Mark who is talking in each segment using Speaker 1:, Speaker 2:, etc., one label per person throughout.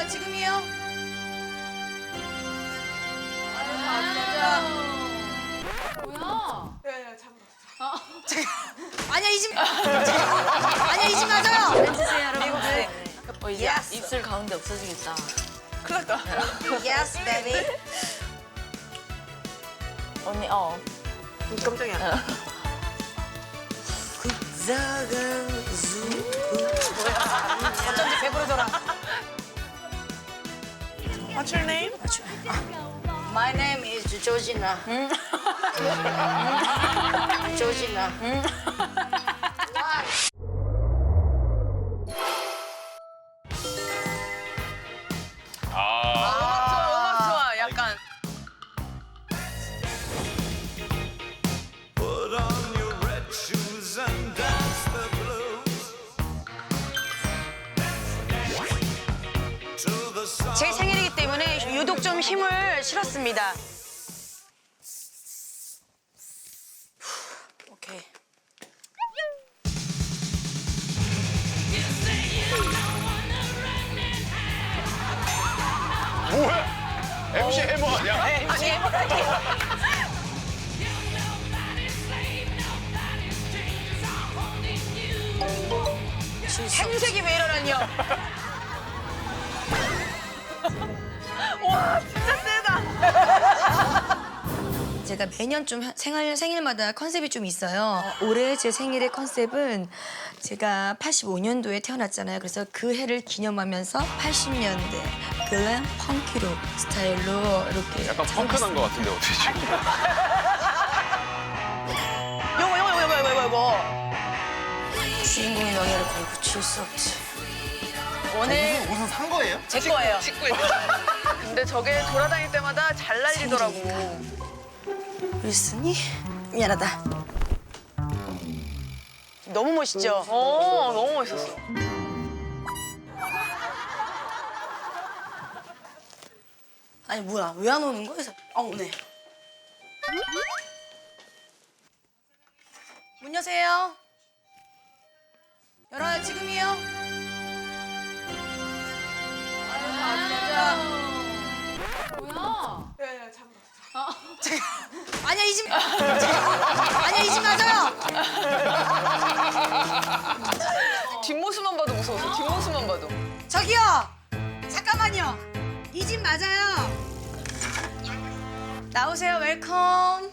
Speaker 1: 열어요, 지금이요.
Speaker 2: 뭐야?
Speaker 1: 야야 잠깐만. 아니야 이 집. 아니야 이 집 맞아요. 앉으세요 여러분들.
Speaker 2: 이제
Speaker 1: Yes.
Speaker 2: 입술 가운데 없어지겠다.
Speaker 1: 큰일 났다. Yes, baby.
Speaker 2: 언니,
Speaker 1: 깜짝이야. 어쩐지 배부르더라.
Speaker 3: What's your name?
Speaker 1: My name is Georgina. Georgina.
Speaker 3: 음악 좋아, 약간.
Speaker 4: Put on your red shoes and dance the blues. To the song.
Speaker 1: 제 생일이기 때문에 유독 좀 힘을 실었습니다. 오케이.
Speaker 5: 뭐야? MC 해머 아니야?
Speaker 1: 행색이 왜 이러냐뇨.
Speaker 3: 와, 진짜 세다.
Speaker 1: 제가 매년 좀 생일마다 컨셉이 좀 있어요. 올해 제 생일의 컨셉은 제가 85년도에 태어났잖아요. 그래서 그 해를 기념하면서 80년대 글램 펑키룩 스타일로 이렇게
Speaker 5: 약간 펑크난 것 같은데 어떻게 지금?
Speaker 3: 요거.
Speaker 1: 주인공의 명예를 걸고 칠 수 없지.
Speaker 3: 오늘
Speaker 5: 무슨 산 거예요?
Speaker 3: 제 거예요. 직구 근데 저게 돌아다닐 때마다 잘 날리더라고.
Speaker 1: 윌슨이 미안하다. 너무 멋있죠?
Speaker 3: 너무 멋있었어.
Speaker 1: 아니 뭐야 왜 안 오는 거야? 오네. 문 여세요. 열어요 지금이요.
Speaker 2: 뭐야?
Speaker 1: 야야 잠깐. 아니야 이 집. 아니야 이 집 맞아요.
Speaker 3: 뒷모습만 봐도 무서웠어. 뒷모습만 봐도.
Speaker 1: 저기요. 잠깐만요. 이 집 맞아요. 나오세요. 웰컴.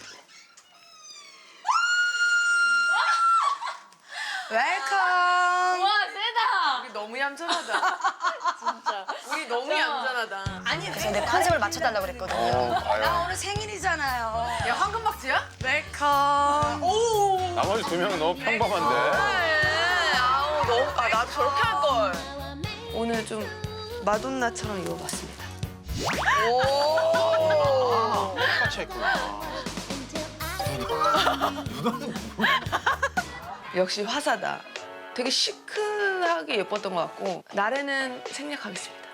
Speaker 1: 웰컴.
Speaker 2: 와, 세다!
Speaker 3: 우리 너무 얌전하다.
Speaker 2: 진짜.
Speaker 3: 우리 너무 얌전하다.
Speaker 1: 아니 그래서 내 컨셉을 맞춰달라고 그랬거든요.
Speaker 5: 아유.
Speaker 1: 나 오늘 생일이잖아요.
Speaker 3: 야, 황금박쥐야?
Speaker 1: 웰컴.
Speaker 3: 오.
Speaker 5: 나머지 두 명은 너무 평범한데.
Speaker 3: 그래. 아우, 너무. 아, 나도 저렇게 할 걸.
Speaker 1: 오늘 좀 마돈나처럼 입어봤습니다.
Speaker 3: 오.
Speaker 5: 똑같이 했구나.
Speaker 3: 역시 화사다. 되게 시크하게 예뻤던 것 같고 날에는 생략하겠습니다.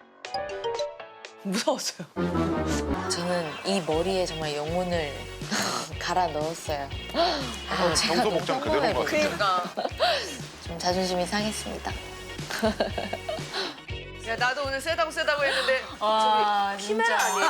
Speaker 3: 무서웠어요.
Speaker 2: 저는 이 머리에 정말 영혼을 갈아 넣었어요. 제가
Speaker 5: 평소
Speaker 2: 너무
Speaker 5: 복장 그대로인 것 같은데.
Speaker 3: 그러니까.
Speaker 2: 좀 자존심이 상했습니다.
Speaker 3: 야, 나도 오늘 세다고 했는데
Speaker 2: 와,
Speaker 3: 키메라 아니에요?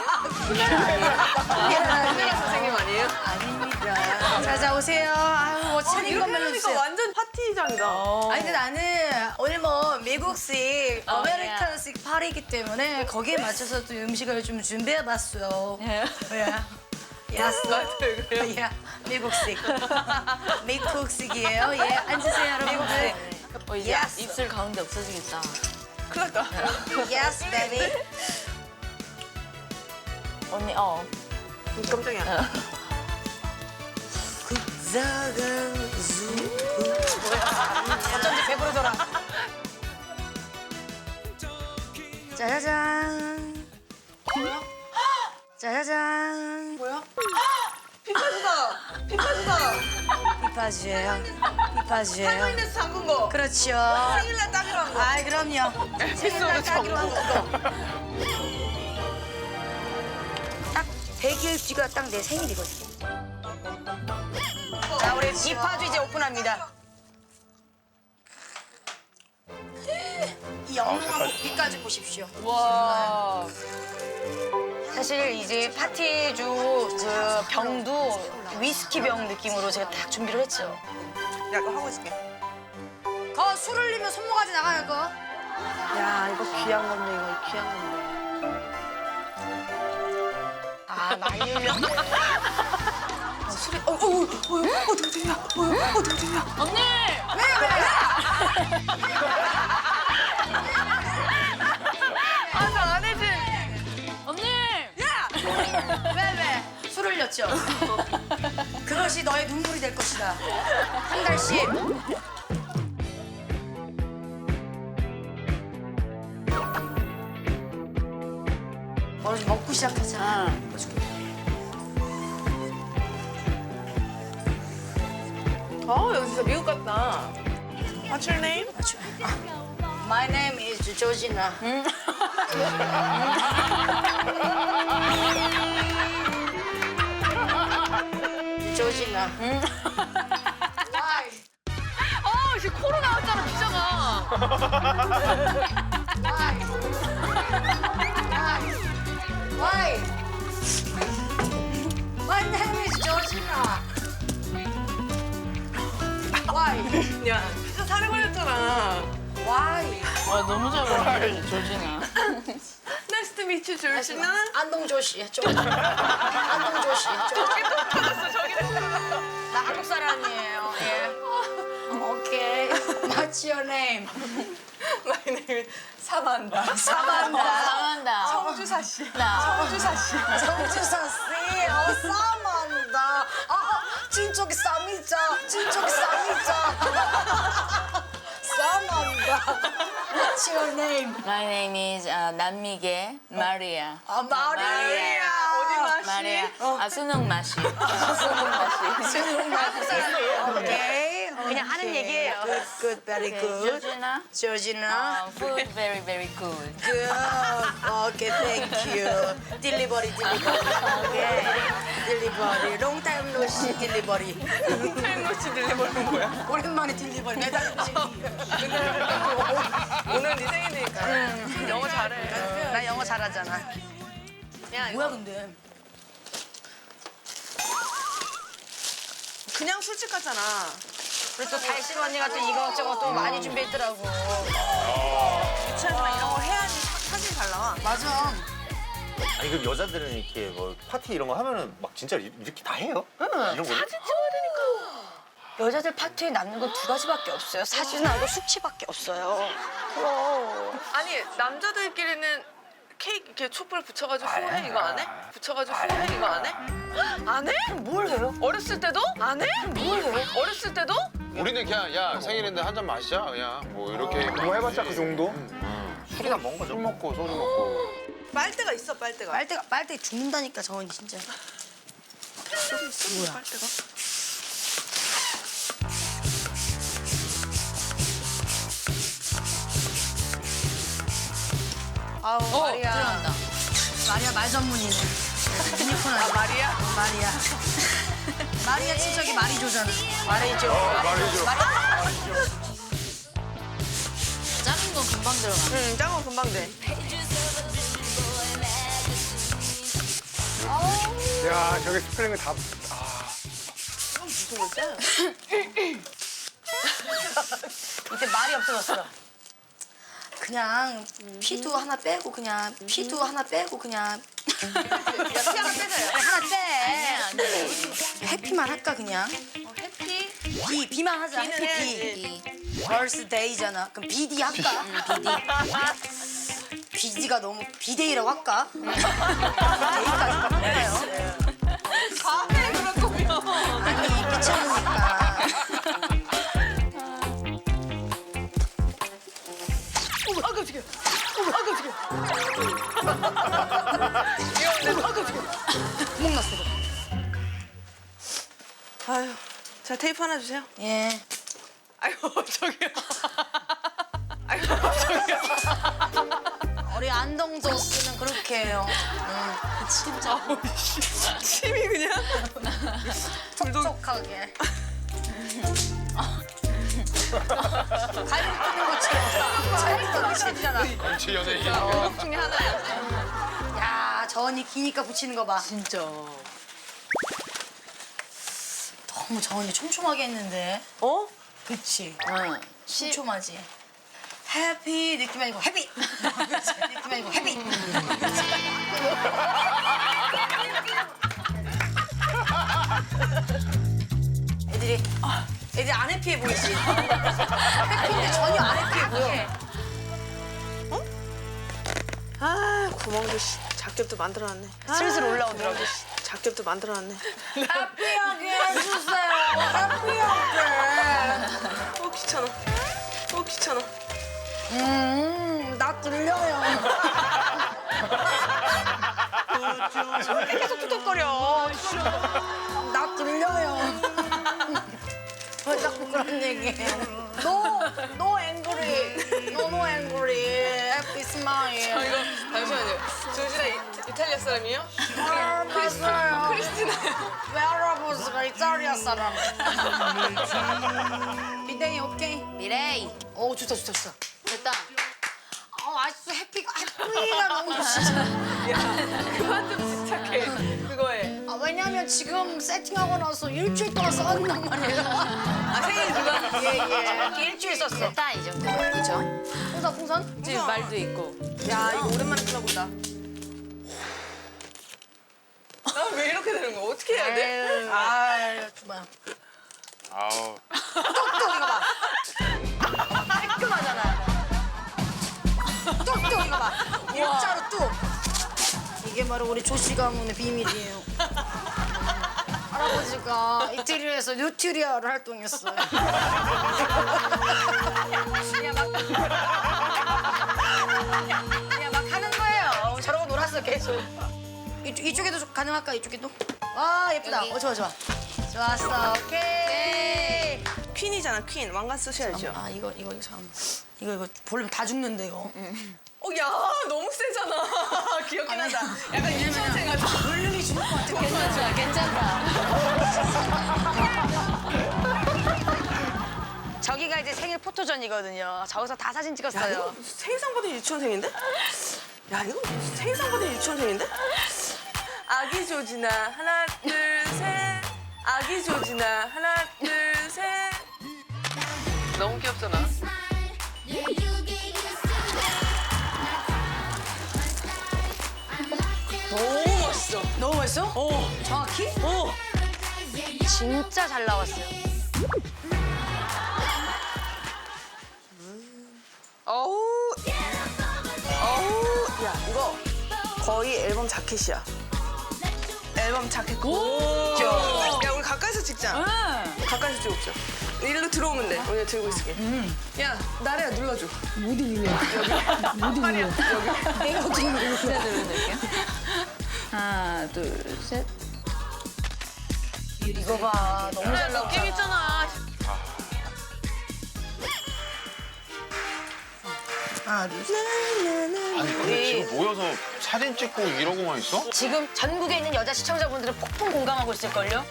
Speaker 3: 키메라 선생님 아니에요?
Speaker 1: 아닙니다. 자자 오세요. 아유 뭐 차린
Speaker 3: 이렇게
Speaker 1: 것만
Speaker 3: 하니까
Speaker 1: 해주세요.
Speaker 3: 완전 파티장이다.
Speaker 1: 아니 근데 나는 오늘 뭐 미국식
Speaker 2: 어,
Speaker 1: 아메리칸식 파리이기 때문에 거기에 맞춰서 또 음식을 좀 준비해봤어요. 뭐야? 야스.
Speaker 3: 그래요?
Speaker 1: 야 미국식. 미국식이에요. 예 앉으세요 여러분들.
Speaker 2: 이제
Speaker 1: Yes.
Speaker 2: 입술 가운데 없어지겠다.
Speaker 3: 큰일 났다.
Speaker 1: Yes, baby.
Speaker 2: 언니,
Speaker 3: 깜짝이야.
Speaker 1: 어쩐지 배부르더라. 짜자잔. 짜자잔.
Speaker 3: 뭐야? 피카주다. 피카주다.
Speaker 1: 피파주예요. 피파주예요.
Speaker 3: 할머니네서 담근 거.
Speaker 1: 그렇죠.
Speaker 3: 생일날 따기로 한 거.
Speaker 1: 아 그럼요.
Speaker 3: 에피소드
Speaker 1: 따기로 한
Speaker 3: 전부.
Speaker 1: 거. 딱 100일 뒤가 딱 내 생일이거든요. 자 우리 피파주 이제 오픈합니다. 이 영롱한 고기까지 보십시오. 와. 사실 이제 파티주 그 병도 위스키 병 느낌으로 제가 딱 준비를 했죠.
Speaker 3: 야, 이거 하고 있을게.
Speaker 1: 거 술 흘리면 손모가지 나가요, 거.
Speaker 3: 야, 이거 귀한 건데, 이거 귀한 건데.
Speaker 1: 아, 많이 흘렸네.
Speaker 3: 술이, 어떻게 되냐? 어떻게 되냐?
Speaker 2: 언니!
Speaker 3: 아, 저안 해지.
Speaker 2: 언니!
Speaker 1: 왜? 술 흘렸죠? 그것이 너의 눈물이 될 것이다. 한 달씩. 먼저 먹고 시작하자.
Speaker 3: 여기 진짜 미국 같다. What's your name?
Speaker 1: My name is Georgina. 조지나. Why?
Speaker 2: 지금 코로 나왔잖아, 비자가.
Speaker 1: Why? Why? My name is Georgina. Why?
Speaker 3: 야, 피자 살에 걸렸잖아.
Speaker 1: Why?
Speaker 2: 와, 너무 잘 먹네, 조진아.
Speaker 3: Nice to meet you, 조진아.
Speaker 1: 안동조씨. 안동조씨. 나 한국 사람이에요. 예. 오케이. What's your name?
Speaker 3: My name is 사만다.
Speaker 2: 사만다.
Speaker 3: 성주사 씨.
Speaker 2: 나.
Speaker 3: 성주사 씨.
Speaker 1: 정주사 씨. 싸만다. 진쪽이 쌈이자. 진쪽이 쌈이자. 싸만다. What's your name?
Speaker 2: My name is 남미계 마리아.
Speaker 1: 마리아.
Speaker 3: 어디 맛이?
Speaker 2: 마리아. 수능 맛이. 수능 맛이.
Speaker 1: 한국 사람이에요. 오케이. 그냥 하는 얘기예요. Good, very good.
Speaker 2: 조진아.
Speaker 1: 조지나.
Speaker 2: Food very, very good.
Speaker 1: Good. Okay, thank you. Delivery. Okay. Delivery. Long time no see delivery.
Speaker 3: 햄노치 들려버리는 거야.
Speaker 1: 오랜만에 딜리버리 매달 음식이.
Speaker 3: 오늘 네 생일이니까. 영어 잘해.
Speaker 1: 나 영어 잘하잖아.
Speaker 3: 야,
Speaker 1: 뭐야 근데?
Speaker 3: 그냥 술집 같잖아.
Speaker 1: 그리고 또 달심 언니가 또 이것저것 또 많이 준비했더라고.
Speaker 3: 유치하지만 이런 거 해야지 사진이 잘 나와.
Speaker 1: 맞아.
Speaker 5: 아니 그럼 여자들은 이렇게 뭐 파티 이런 거 하면은 막 진짜 이렇게 다 해요? 이런 거를?
Speaker 1: 여자들 파티에 남는 거 두 가지밖에 없어요. 사진하고 숙취밖에 없어요. 그럼.
Speaker 3: 아니 남자들끼리는 케이크 이렇게 촛불 붙여가지고 후회 이거 안 해? 붙여가지고 후회 이거 안 해? 안 해?
Speaker 1: 뭘 해요?
Speaker 3: 어렸을 때도? 안 해?
Speaker 1: 뭘 해요?
Speaker 3: 어렸을 때도?
Speaker 6: 우리는 그냥 야 생일인데 한 잔 마시자 그냥 뭐 이렇게
Speaker 5: 뭐 해봤자 그 정도? 술이나 먹은 거죠.
Speaker 6: 술 먹고 소주 먹고
Speaker 3: 빨대가 있어 빨대가.
Speaker 1: 빨대 죽는다니까 저 언니 진짜.
Speaker 3: 뭐야? 빨대가?
Speaker 1: 아우 마리아.
Speaker 2: 들어간다.
Speaker 1: 마리아 말 전문이네. 유니콘 아니야?
Speaker 3: 마리아?
Speaker 1: 마리아. 마리아 친척이 마리조잖아. 마리조.
Speaker 6: 말이죠.
Speaker 2: 작은 건 금방 들어가.
Speaker 3: 응, 짱은 금방 돼.
Speaker 5: 야 저게 스프링을 다.
Speaker 3: 무슨 거지?
Speaker 1: 이때 말이 없어졌어. 그냥 피도 하나 빼고 그냥 피도 하나 빼고 그냥
Speaker 3: 피 하나 빼줘요.
Speaker 1: 하나 빼.
Speaker 2: 안 돼.
Speaker 1: 해피만 할까 그냥?
Speaker 3: 해피?
Speaker 1: 비만 하자.
Speaker 3: 비는
Speaker 1: 해피
Speaker 3: 해야지.
Speaker 1: 비. 벌스데이잖아. 그럼 비디 할까? 비디. 비디가 너무 비데이라고 할까? 데이까지 바꿀까요?
Speaker 3: 가해 그럴 거면.
Speaker 1: 아니 귀찮으니까. 구멍 났어.
Speaker 3: 아유, 자 테이프 하나 주세요.
Speaker 1: 예.
Speaker 3: 아이고 저기요. 아이고 저기요.
Speaker 1: 우리 안동조 씨는 그렇게 해요. 진짜
Speaker 3: 침이 그냥.
Speaker 1: 촉촉하게. 갈비 굽는 것처럼. 잘했어, 미쳤잖아.
Speaker 6: 정치 연예인.
Speaker 3: 중에 하나야.
Speaker 1: 야, 저 언니 기니까 붙이는 거 봐.
Speaker 2: 진짜.
Speaker 1: 너무 저 언니 촘촘하게 했는데.
Speaker 3: 어?
Speaker 1: 그치?
Speaker 2: 응.
Speaker 1: 촘촘하지. 해피 느낌 아니고 해피. 그치? 느낌 아니고 해피. 애들이 안 해피해 보이지? 해피인데 전혀 안 해피해 보여.
Speaker 3: 아 구멍도 작겹도 만들어놨네.
Speaker 1: 슬슬 올라오더라고.
Speaker 3: 작겹도 만들어놨네.
Speaker 1: 해피하게 해주세요. 해피하게.
Speaker 3: 귀찮아. 귀찮아.
Speaker 1: 나 들려요.
Speaker 3: 계속 툭툭거려.
Speaker 1: 나 들려요. 왜 자꾸 그런 얘기해? No angry. No angry. Happy smile.
Speaker 3: 이거 잠시만요. 조진아 이탈리아 사람이에요?
Speaker 1: 맞아요. 크리스티나요. 웨어러브스가 이탈리아 사람. 비데이 오케이?
Speaker 2: 미레이.
Speaker 1: 오 좋다.
Speaker 2: 됐다.
Speaker 1: 아직도 해피가 너무 좋지.
Speaker 3: 그만 좀 집착해. 그거에.
Speaker 1: 왜냐면 지금 세팅하고 나서 일주일 동안 써왔단 말이에요.
Speaker 3: 생일 누가?
Speaker 1: 예. 일주일 썼어.
Speaker 2: 됐다 이 정도. 그죠?
Speaker 1: 풍선?
Speaker 2: 지금 말도 있고.
Speaker 3: 야 이거 오랜만에 들어본다. 나 왜 이렇게 되는 거야? 어떻게 해야 돼?
Speaker 1: 아유, 주마.
Speaker 6: 아우.
Speaker 1: 또 이거 봐. 깔끔하잖아. 또 이거 봐. 일자로 뚝. 이게 바로 우리 조씨 가문의 비밀이에요. 할아버지가 이태리에서 뉴트리아를 활동했어요. 그냥 막 하는 거예요. 저러고 놀았어 계속. 이쪽에도 좀 가능할까? 이쪽에도? 와 예쁘다. 좋아. 좋았어. 오케이.
Speaker 3: 퀸이잖아 퀸. 왕관 쓰셔야죠.
Speaker 1: 아 이거 잠깐만. 이거 볼륨 다 죽는데 이거.
Speaker 3: 야 너무 세잖아. 귀엽긴 하다. 약간 유치원생 같아.
Speaker 1: 볼륨이 죽을 것 같아.
Speaker 2: 괜찮다.
Speaker 1: 저기가 이제 생일 포토전이거든요. 저기서 다 사진
Speaker 3: 야
Speaker 1: 찍었어요.
Speaker 3: 이거 생일상 받은 유치원생인데? 야 이거 생일상 받은 유치원생인데? 아기 조지나 하나 둘 셋. 아기 조지나 하나 둘 셋. 너무 귀엽잖아. 너무 멋있어.
Speaker 1: 너무 맛있어? 정확히? 진짜 잘 나왔어요.
Speaker 3: 어우, 야 이거 거의 앨범 자켓이야. 앨범 자켓. 야 우리 가까이서 찍자. 가까이서 찍읍시다. 일로 들어오면 돼. 언니가 들고 있을게. 야 나래야 눌러줘.
Speaker 2: 모두 눌러. 모두 눌러.
Speaker 1: 내가 어떻게 누르
Speaker 2: 제가 눌러드릴게요. 하나, 둘, 셋.
Speaker 1: 이거 봐. 너무 잘 나왔다.
Speaker 3: 느낌 있잖아.
Speaker 1: 하나, 둘, 셋.
Speaker 6: 아니 근데 지금 모여서 사진 찍고 이러고만 있어?
Speaker 1: 지금 전국에 있는 여자 시청자분들은 폭풍 공감하고 있을걸요?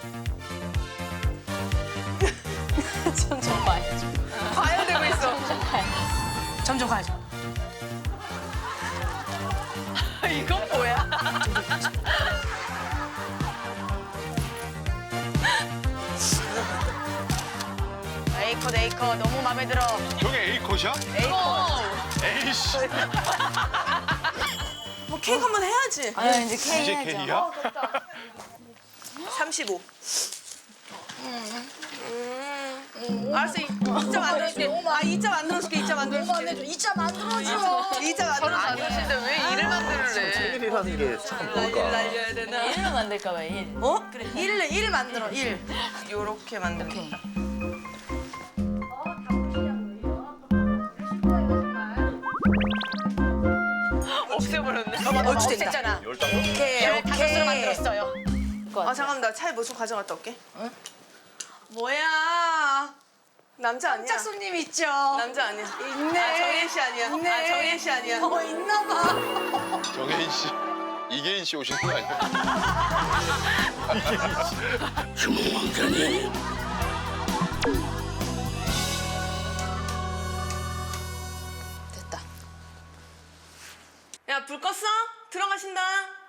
Speaker 2: 점점 봐야죠.
Speaker 3: 과열되고 있어.
Speaker 1: 점점 가야죠.
Speaker 3: 이건 뭐야?
Speaker 1: A컷 너무 마음에 들어.
Speaker 6: 저게 A컷이야? 에이씨.
Speaker 3: 뭐 케이크 한번 해야지.
Speaker 2: 아 이제 K
Speaker 6: 이제
Speaker 2: 해야죠.
Speaker 6: K야?
Speaker 3: 35. 알았어. 2점 안 들어줄게. 2점 안 들어줄게. 2점 안 들어줄게.
Speaker 1: 2차 만들어줘.
Speaker 3: 2점 안 들어줄게. 왜 일을 만들래?
Speaker 5: 생일이라는 게 참 뭘까?
Speaker 3: 날려야 되나?
Speaker 2: 1로 만들까 봐 1.
Speaker 3: 어?
Speaker 1: 그래, 1 만들어, 1.
Speaker 3: 요렇게 만들어.
Speaker 2: 오케이.
Speaker 3: 없애버렸네.
Speaker 1: 어찌됐잖아.
Speaker 5: 열당.
Speaker 1: 오케이. 다섯으로 만들었어요.
Speaker 3: 아 잠깐만 나 차에 무슨 가져갔다 올게. 뭐야? 남자 아니야?
Speaker 1: 짝 손님 있죠?
Speaker 3: 남자 아니야.
Speaker 1: 있네.
Speaker 3: 아 정혜 씨 아니야.
Speaker 1: 있네.
Speaker 3: 아 정혜 씨 아니야.
Speaker 1: 있나 봐.
Speaker 6: 정혜인 씨. 이계인 씨 오시는 거 아니야?
Speaker 3: 야, 불 껐어? 들어가신다.